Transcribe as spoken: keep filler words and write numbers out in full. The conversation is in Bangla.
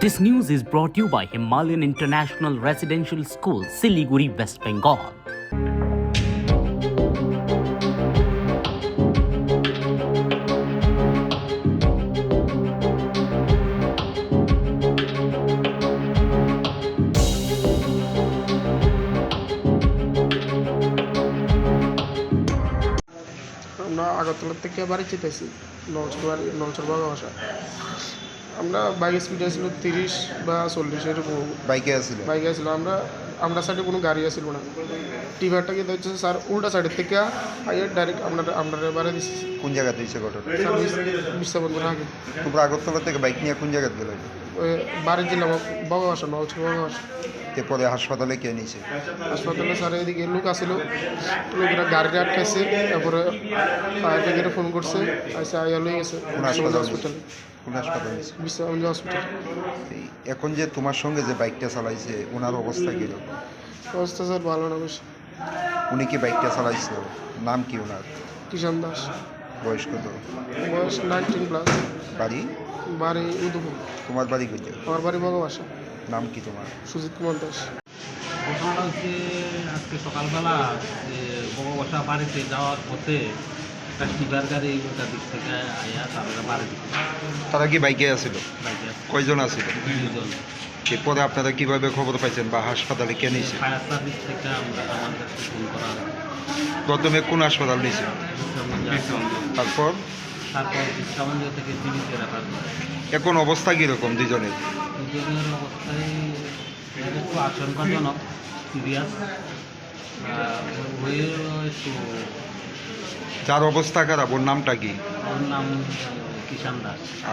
This news is brought to you by Himalayan International Residential School, Siliguri, West Bengal. আমরা আগরতলা থেকে বাড়ি যেতেছি নলছর বাড়ি নলছর বাগা বাসা। আমরা বাইক স্পিড ছিল তিরিশ বা চল্লিশ এরকম বাইকে আসছিল বাইকে আসছিল। আমরা আমরা সাইডে কোনো গাড়ি আসছিল না। টিভারটা কিন্তু হচ্ছে স্যার উল্টা সাইডের থেকে আগে ডাইরেক্ট আমরা আমরা বাড়ি দিচ্ছি কোন জায়গাতে হয়েছে ঘটনা? বিশ্বাবন্ধের আগে। তোমরা আগরতলা থেকে বাইক নিয়ে কোন জায়গাতে গেলে? ওই বাড়ি জেলা বাগা বাসা নলছর বাগা বাসা। এরপরে হাসপাতালে কে নিয়েছে? হাসপাতালে স্যার এদিকে লোক আসছিল, লোকেরা গাড়ি আটকাইছে, তারপরে ফায়ার ব্রিগেডে ফোন করছে, আইসে আইয়া লই গেছে কোন হাসপাতাল? হসপিটালে কোন হাসপাতাল নিয়েছে? বিশ্বাবন্ধ হসপিটাল। এই এখন যে তোমার সঙ্গে যে বাইকটা চালাইছে ওনার অবস্থা কীরকম? অবস্থা স্যার ভালো না বেশি। উনি কি বাইকটা চালাইছিল? নাম কি ওনার? কিষান দাস, বয়স কত? বয়স নাইনটিন প্লাস। বাড়ি? বাড়ি উদয়পুর। তোমার বাড়ি কই? আমার বাড়ি বগবাসা। নাম কি তোমার? সুজিত কুমার দাস। ঘটনাটা হচ্ছে আজকে সকালবেলা যে বড়বাসা বাড়িতে যাওয়ার পথে একটা টিভার গাড়ি ওটার দিক থেকে আয়া তারা বাড়ি দিচ্ছে তারা কি বাইকে আসছিল? বাইকে কয়জন আসছিল? দুজন। এরপরে আপনারা কিভাবে খবর পাইছেন বা হাসপাতালে কে নিয়েছে? ফায়ার সার্ভিস থেকে আমরা আমার কাছে ফোন করা হয়। প্রথমে কোন হাসপাতাল নিয়েছে? তারপর তারপর বিশ্রামঞ্জ থেকে জীবিত রাখা হয়। এখন অবস্থা কীরকম দুজনের? দুজনের অবস্থায় একটু আশঙ্কাজনক, সিরিয়াস হয়ে একটু। যার অবস্থা খারাপ ওর নামটা কি? ওর নাম কিষান দাস।